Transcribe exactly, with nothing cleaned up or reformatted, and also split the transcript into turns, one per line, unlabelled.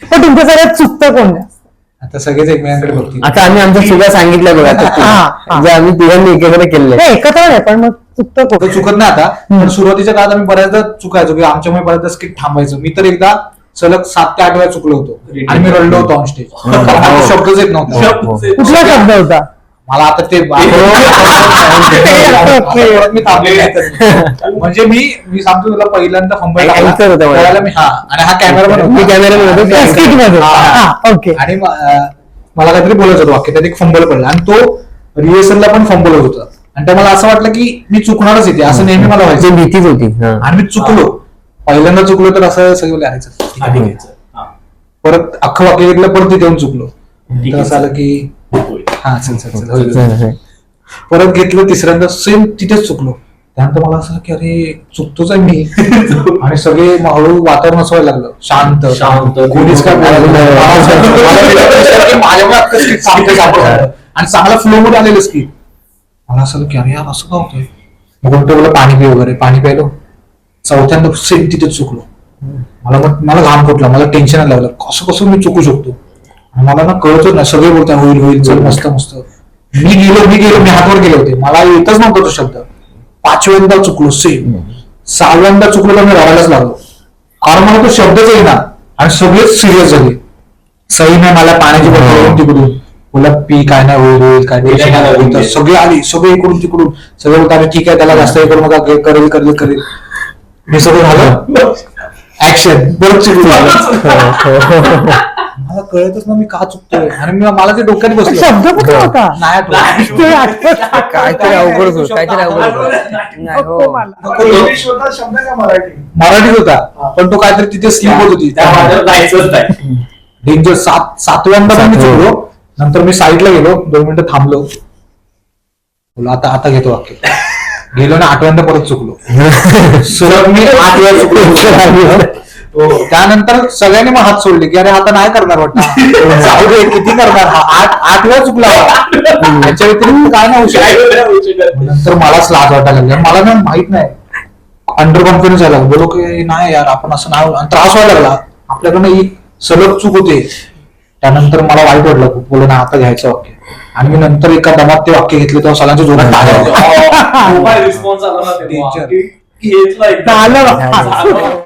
पण तुमच्या सगळ्यात चुकतं कोण जास्त?
आता सगळेच एकमेकांकडे बघतील.
आता आम्ही आमच्या चुका सांगितल्या बघा
हा.
जे आम्ही तिघांनी एकत्र केले.
नाही एकत्र नाही पण मग चुकतं
तो
कोण?
चुकत नाही आता, पण सुरुवातीच्या काळात आम्ही बऱ्याचदा चुकायचो की आमच्यामुळे बऱ्याचदा स्किट थांबायचो. मी तर एकदा सलग सात ते आठ वेळा चुकलो होतो आणि मी रडलो होतो ऑन स्टेज. शब्दच येत नव्हता.
कुठला शब्द होता?
मला आता ते मी थांबले. म्हणजे मी मी सांगतो तुला पहिल्यांदा फंबल
Anchor होता माझा.
टाकला मी. हा आणि हा कॅमेरा
मी कॅमेरामॅन होतो, ते anchor.
Skit मध्ये. हा, ओके.
आणि म- अं, मला काहीतरी बोलायचं होतं वाक्य, त्यात एक फंबल पडला आणि तो रिहर्सलला पण फंबल होत होता. आणि त्या मला असं वाटलं की मी चुकणारच येते, असं नेहमी मला
ते
व्हायचं.
भीतीच होती. हा.
आणि मी चुकलो. पहिल्यांदा चुकलो तर असं सगळं लिहायचं.
आधी घ्यायचं. हा.
परत अख्खं वाक्य घेतलं, परत तिथे येऊन चुकलो.
ठीक
तर
आहे.
असं आलं की
होय.
हा चल चल चल होईल.
चल, चल.
परत घेतलं तिसऱ्यांदा सेम तिथेच चुकलो. त्यानंतर मला असं की अरे चुकतोच आहे मी. आणि सगळे हळूहळू वातावरण असं व्हायला लागलं शांत
शांत.
कोणीच काय बोलायला लागलं नाही. मला वाटलं की माझ्यामुळे अख्खं skit चांगलं झालं. आणि चांगला फ्लो मध्ये आलेलं स्किट. मला असं की अरे यार असं का होतंय. मग कोणतं बोला पाणी पी वगैरे, पाणी प्यायलो. चौथ्यांदा सेम तिथेच चुकलो. मला मग मला घाम फुटला, मला टेन्शन लागलं कसं कसं मी चुकू शकतो. आणि मला ना कळतच नाही, सगळे बोलतात होईल होईल चल मस्त मस्त. मी गेलो मी गेलो मी हातवर गेले होते, मला येतच नव्हता तो शब्द. पाचव्यांदा चुकलो सेम. सहाव्यांदा चुकलो तर मी रडायलाच लागलो, कारण मला तो शब्दच येईना. आणि सगळेच सिरियस झाले. सही नाही मला पाण्याची बॉटल तिकडून बोला पी काय नाही होईल होईल काय टेन्शन नाही होईल. तर सगळे आली, सगळे इकडून तिकडून सगळे बोलतात ठीक आहे त्याला जास्त हे करू नका, करेल करेल करेल. मी सगळं झालं ऍक्शन परत चुकलो. मला कळतच ना मी का चुकतोय. आणि मी- मला ते डोक्यात बसलं
शब्द कुठला होता?
नाही आठवत.
ते आठवत
काहीतरी अवघड होत काहीतरी अवघड होत. नाही, हो.
नको मला.
इंग्लिश होता शब्द का मराठी?
मराठीत होता, पण तो काहीतरी तिथे स्लिप होत होती.
त्या माझ्यावर जायचंच नाही.
डेंजर. सात सातव्यांदा पण मी चुकलो. नंतर मी साईडला गेलो, दोन मिनिटं थांबलो, बोला आता आता घेतो वाक्य. गेलो ना आठव्यांदा परत चुकलो. सलग मी आठ वेळा चुकलो. त्यानंतर सगळ्यांनी मग हात सोडले की अरे आता नाही करणार वाटतं. जाऊ दे किती करणार हा. आठ आठ वेळा चुकला याच्या व्यतिरिक्त काय नाही होऊ शकत. नंतर मलाच लाज वाटायला लागली. मला ना माहित नाही, अंडर कॉन्फिडन्स झाला. बोलो की नाही यार आपण असं नाही. आणि त्रास व्हायला लागला आपल्याकडनं ही सलग चूक होते. त्यानंतर मला वाईट वाटलं खूप. बोल ना आता घ्यायचं वाक्य. आणि मी नंतर एका दमात ते वाक्य घेतले तेव्हा सगळ्यांच्या जोरात टाळ्या.
रिस्पॉन्स आला ना तेव्हा
Danger.
की घेतलं एकदा.
झालं.
झालं.